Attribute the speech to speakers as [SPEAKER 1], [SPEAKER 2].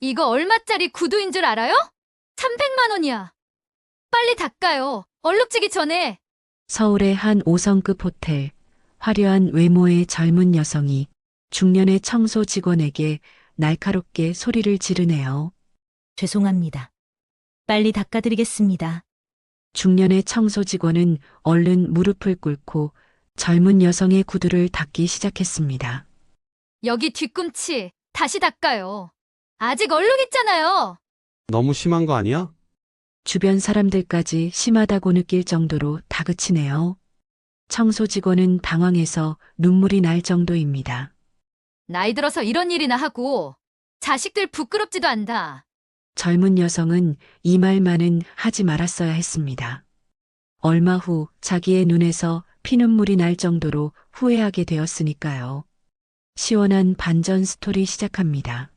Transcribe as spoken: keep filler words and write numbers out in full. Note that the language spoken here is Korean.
[SPEAKER 1] 이거 얼마짜리 구두인 줄 알아요? 삼백만 원이야. 빨리 닦아요. 얼룩지기 전에.
[SPEAKER 2] 서울의 한 오 성급 호텔, 화려한 외모의 젊은 여성이 중년의 청소 직원에게 날카롭게 소리를 지르네요.
[SPEAKER 3] 죄송합니다. 빨리 닦아드리겠습니다.
[SPEAKER 2] 중년의 청소 직원은 얼른 무릎을 꿇고 젊은 여성의 구두를 닦기 시작했습니다.
[SPEAKER 1] 여기 뒤꿈치 다시 닦아요. 아직 얼룩 있잖아요.
[SPEAKER 4] 너무 심한 거 아니야?
[SPEAKER 2] 주변 사람들까지 심하다고 느낄 정도로 다그치네요. 청소 직원은 당황해서 눈물이 날 정도입니다.
[SPEAKER 1] 나이 들어서 이런 일이나 하고 자식들 부끄럽지도 않다.
[SPEAKER 2] 젊은 여성은 이 말만은 하지 말았어야 했습니다. 얼마 후 자기의 눈에서 피눈물이 날 정도로 후회하게 되었으니까요. 시원한 반전 스토리 시작합니다.